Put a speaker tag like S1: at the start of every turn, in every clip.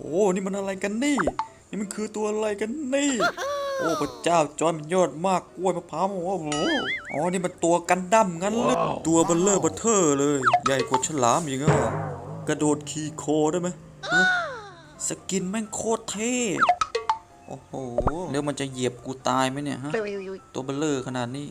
S1: นี่มันอะไรกันนี่มันคือตัวอะไรกันนี่โอ้พระเจ้าจอยมันยอดมากกล้วยมะพร้าวโอ้โหนี่มันตัวกันดั้มงั้นเลยตัวเบลเลอร์เบลเทอร์เลยใหญ่กว่าฉลามอีกอ่ะกระโดดขี่โคได้ไหมสกินแม่งโคตรเท่โอ้โหแล้วมันจะเหยียบกูตายไหมเนี่ยฮะตัวเบลเลอร์ขนาดนี้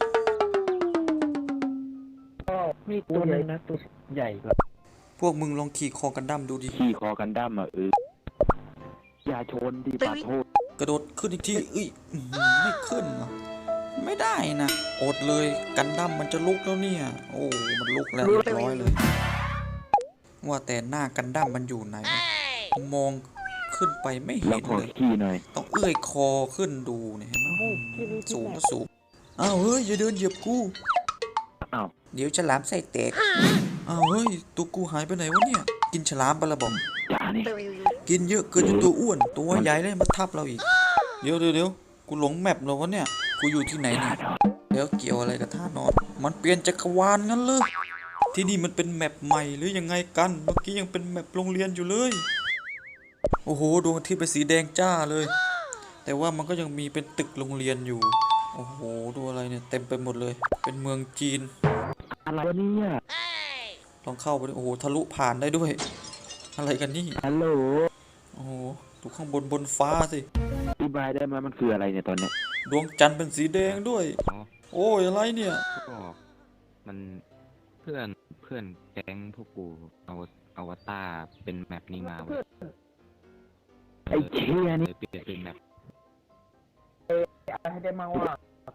S2: มีตัวใหญ่นะตัวใหญ่กว่า
S1: พวกมึงลองขี่คอกันดั้มดูดิ
S2: ขี่คอกันดั้มอย่าชนดิปาโทษ
S1: กระโดดขึ้นอีกทีไม่ขึ้นวะไม่ได้นะอดเลยกันดั้มมันจะลุกแล้วเนี่ยโอ้มันลุกแล้วเรียบร้อยเลยว่าแต่หน้ากันดั้มมันอยู่ไหนมองขึ้นไปไม่เห็นเลยต้องเอื้อยคอขึ้นดูเนี่ยเห็นไหมสูงก็สูงอ้าวเฮ้ยอย่าเดินเหยียบกูเดี๋ยวฉลามใส่แตกอ้าวเฮ้ยตัวกูหายไปไหนวะเนี่ยกินฉลามไปละบอมกินเยอะเกินจนตัวอ้วนตัวใหญ่เลยมาทับเราอีกเดี๋ยวกูหลงแมปแล้ววะเนี่ยกูอยู่ที่ไหนเนี่ยแล้วเกี่ยวอะไรกับท่านอนมันเปลี่ยนจักรวาลงั้นเลยที่นี่มันเป็นแมปใหม่หรือยังไงกันเมื่อกี้ยังเป็นแมปโรงเรียนอยู่เลยโอ้โหดวงอาทิตย์เป็นสีแดงจ้าเลยแต่ว่ามันก็ยังมีเป็นตึกโรงเรียนอยู่โอ้โหดูอะไรเนี่ยเต็มไปหมดเลยเป็นเมืองจีน
S2: อะไรเนี่ย
S1: ลองเข้าไปโอ้โหทะลุผ่านได้ด้วยอะไรกันนี่
S2: ฮัลโหล
S1: โอ้โหดูข้างบนฟ้าสิ
S2: อธิบายได้ไหมมันคืออะไรเนี่ยตอนเนี้ย
S1: ดวงจันทร์เป็นสีแดงด้วยโอ้ยอะไรเนี่ย
S3: ก็มันเพื่อนแก๊งพวกกูเอาวตารเป็นแมปนี้มา
S2: ไอ้เชี่ยนี่
S3: เปลี่ยนเป็นแมป
S2: ให้ได้มาว่า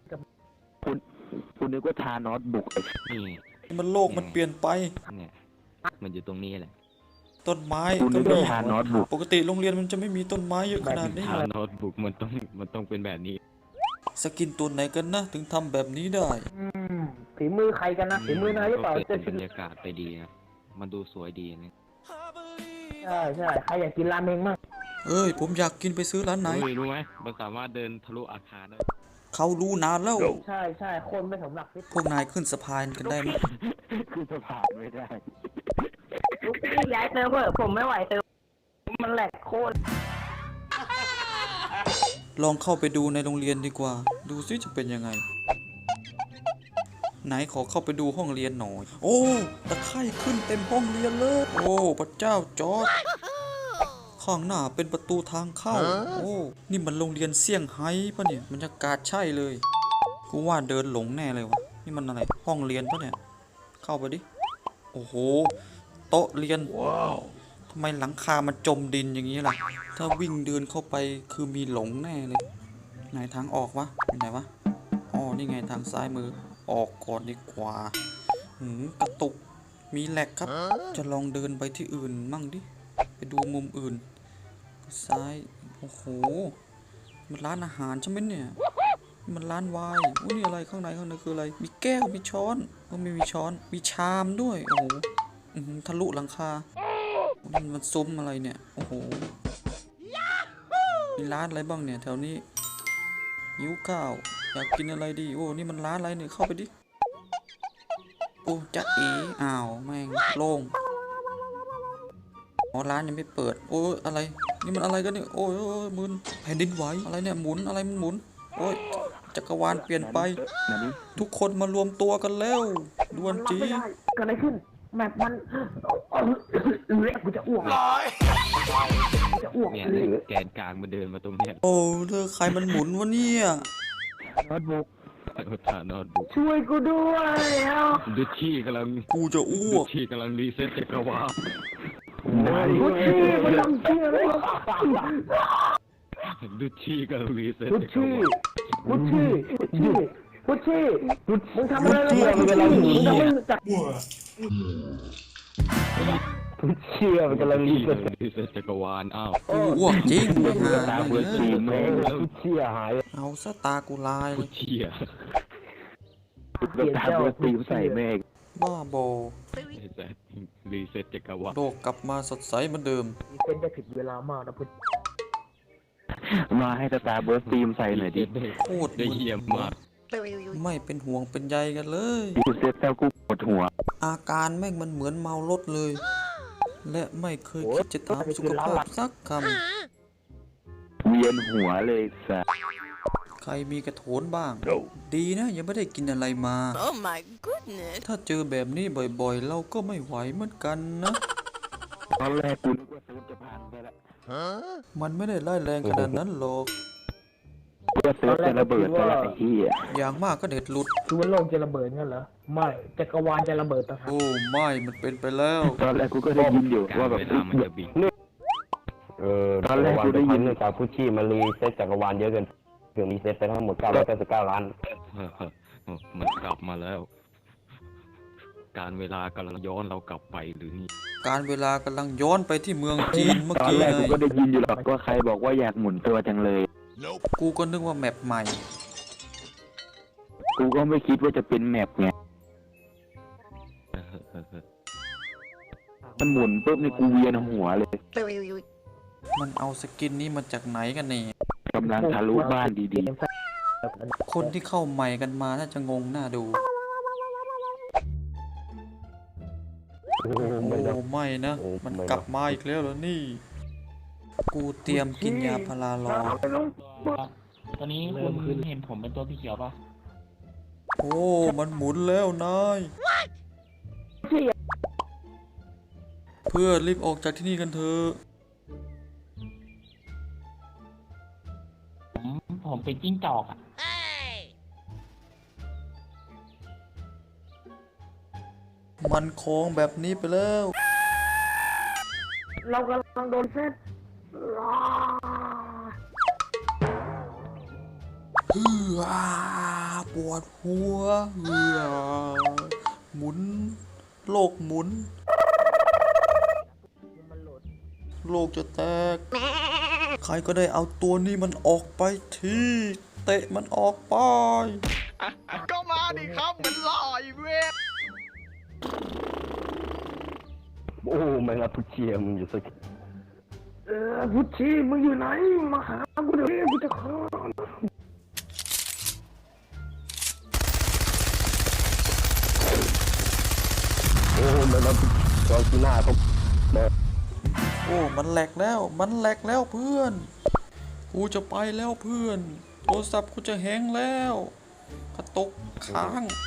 S2: คุณนึกว่าทานอสบุก
S3: นี่
S1: มันโลกมันเปลี่ยนไป
S3: เนี่ยมันอยู่ตรงนี้แหละ
S1: ต้นไม้
S2: ก็มี
S1: ปกติโรงเรียนมันจะไม่มีต้นไม้เยอะขนาดนี้
S3: ทานอสบุกมันต้องเป็นแบบนี้
S1: สกินตัวไหนกันนะถึงทำแบบนี้ได้
S2: ฝีมือใครกันนะฝีมือนายหรือเปล่า
S3: เป็นบรรยากาศไปดีนะมันดูสวยดีนะ
S2: ใช่ใครอยากกินราเมงมั่ง
S1: ผมอยากกินไปซื้อร้านไหน
S3: รู้ไหมมันสามารถเดินทะลุอาคารได้
S1: เขารู้นานแล้ว
S2: ใช่คนไม่สำหรับ
S1: พวกนายขึ้นสะพานกันได้ไหม
S2: ขึ้นสะพานไม่ได้ลูกพี่ย้ายเติมเถอะผมไม่ไหวเติมมันแหลกโคตร
S1: ลองเข้าไปดูในโรงเรียนดีกว่าดูซิจะเป็นยังไงไหนขอเข้าไปดูห้องเรียนหน่อยโอ้ตะไคร่ขึ้นเต็มห้องเรียนเลยโอ้พระเจ้าจอร์จข้างหน้าเป็นประตูทางเข้าโอ้นี่มันโรงเรียนเซี่ยงไฮ้ปะเนี่ยบรรยากาศใช่เลยกูว่าเดินหลงแน่เลยวะนี่มันอะไรห้องเรียนปะเนี่ยเข้าไปดิโอ้โหโต๊ะเรียนทำไมหลังคามันจมดินอย่างนี้ล่ะถ้าวิ่งเดินเข้าไปคือมีหลงแน่เลยไหนทางออกวะอยู่ไหนวะอ๋อนี่ไงทางซ้ายมือออกก่อนดีกว่ากระตุกมีแหลกครับจะลองเดินไปที่อื่นมั่งดิไปดูมุมอื่นซ้ายโอ้โหมันร้านอาหารใช่ไหมเนี่ยมันร้านไวน์นี่อะไรข้างในคืออะไรมีแก้วมีช้อนไม่มีช้อนมีชามด้วยโอ้โหทะลุหลังคามันซุ้มอะไรเนี่ยโอ้โหมีร้านอะไรบ้างเนี่ยแถวนี้หิวข้าวอยากกินอะไรดีโอ้นี่มันร้านอะไรเนี่ยเข้าไปดิโอ้จ๊ะเอ๋อ้าวแม่งโล่งร้านยังไม่เปิดโอ้ยอะไรนี่มันอะไรกันเนี่ยโอ้ยมึนแผ่นดินไหวอะไรเนี่ยหมุนอะไรมันหมุนโอ้ยจักรวาลเปลี่ยนไปทุกคนมารวมตัวกันแล้วด่วนจี
S2: เกิดอะไรขึ้นแมปมันกูจะอ้วก
S3: เนี่ยแกนกลางมันเดินมาตรงเนี้ย
S1: โอ้เธอใครมันหมุนวะเนี่ย
S2: โน้ตบุ๊ก
S3: โน้ตบุ๊ก
S2: ช่วยกูด้วย
S3: ดูชี่กำลัง
S1: กูจะอ้วก
S3: ชี่กำลังรีเซ็ตจักรวาล
S2: พุชชี่มันทำเชี่ยเลย
S3: ดูชี่กำลังรีเซ็ต
S2: พุชชี่มึงทำอะไรมึงกำลังมึงทำไม่จักพุชชี่มันกำลังรีเซ็ต
S3: จักรวาลอ้าว
S1: อ้วกจริง
S2: ตาเบิร์ดสีแม่งพุชชี่หาย
S1: เอาซะตากูลาย
S3: พุชชี่
S2: ตาเบิร์ดสีใส่แม่ง
S1: บ้าโบ
S3: รีเซ็ตจักรวาล
S1: โลกกลับมาสดใสเหมือนเดิม
S2: รีเซ็ตได้ผิดเวลามากนะพุทธมาให้ตาเบิร์ดซีมใส่หน่อยดิ
S1: โคตรได้เยี่ยมมากไม่เป็นห่วงเป็นใยกันเลย
S2: รีเซ็ตแล้วกูปวดหัว
S1: อาการแม่งมันเหมือนเมารถเลยและไม่เคยคิดจะถามสุขภาพสักค
S3: เวียนหัวเลยสัส
S1: ำใครมีกระโถนบ้าง ดีนะยังไม่ได้กินอะไรมา
S4: Oh my goodness.
S1: ถ้าเจอแบบนี้บ่อยๆ เราก็ไม่ไหวเหมือนกันนะ
S3: ตอนแรกกูนึกว่าเซิร์ฟจะพังไปแล้ว
S1: มันไม่ได้ร้ายแรงขนาดนั้นหรอก
S3: กูว่าเซิร์ฟจะระเบิดไปแล้วไอ้เหี้ย
S1: อย่างมากก็เด็ดหลุด
S2: คือว่าโลกจะระเบิดงั้นเหรอไม่จักรวาลจะระเบิดต่างหาก
S1: โอ้ไม่มันเป็นไปแล้ว
S3: ตอนแรกกูก็ได้ยินอยู่ว่าแบบ
S5: ตอนแรกกูได้ยินเนื่องจากผู้ชี้มารีเซ็ตจักรวาลเยอะเกินถึงรีเซ็ตไปทั้งหมด999 ล้าน
S3: มันกลับมาแล้ว การเวลากำลังย้อนเรากลับไปหรือนี่
S1: การเวลากำลังย้อนไปที่เมืองจีนเมื่อ
S3: ตอน
S1: กี้
S3: แรก
S1: ไง
S3: กูก็ได้ยินอยู่หรอกว่าใครบอกว่าอยากหมุนตัวจังเลย
S1: กูก็นึกว่าแมปใหม่
S3: กูก็ไม่คิดว่าจะเป็นแมปไงมันหมุนปุ๊บนี่กูเวียนหัวเลย
S1: มันเอาสกินนี้มาจากไหนกันเนี่ย
S3: กำลังทะลุบ้านดี
S1: คนที่เข้าใหม่กันมาน่าจะงงหน้าดู โอ้ไม่นะ มันกลับมาอีกแล้วเหรอนี่ กูเตรียมกินยาพารารอ
S6: ตอนนี้คุณเห็นผมเป็นตัวพี่เขียวปะ
S1: โอ้ มันหมุนแล้วนาย เพื่อรีบออกจากที่นี่กันเถอะ
S6: ผมเป็นจิ้งจอกอ่ะ
S1: มันโค้งแบบนี้ไปแล้ว
S2: เรากำลังโดนเซต
S1: ปวดหัวหมุน โลกหมุน โลกจะแตก ใครก็ได้เอาตัวนี้มันออกไปที เตะมันออกไป
S7: ก็มาดิครับมันหล่ออีเว้ย
S5: โอ้แม่งอะผู้ชี้มึงอยู่สัก
S2: พุชชีมึงอยู่ไหนมาหากูเดี๋ยวนี้กูจะฆ่า
S5: โอ้แม่งอะจอจีน่าเขา
S1: โอ้ มันแหลกแล้ว มันแหลกแล้วเพื่อน กูจะไปแล้วเพื่อน โทรศัพท์กูจะแฮงแล้ว กระตกค้าง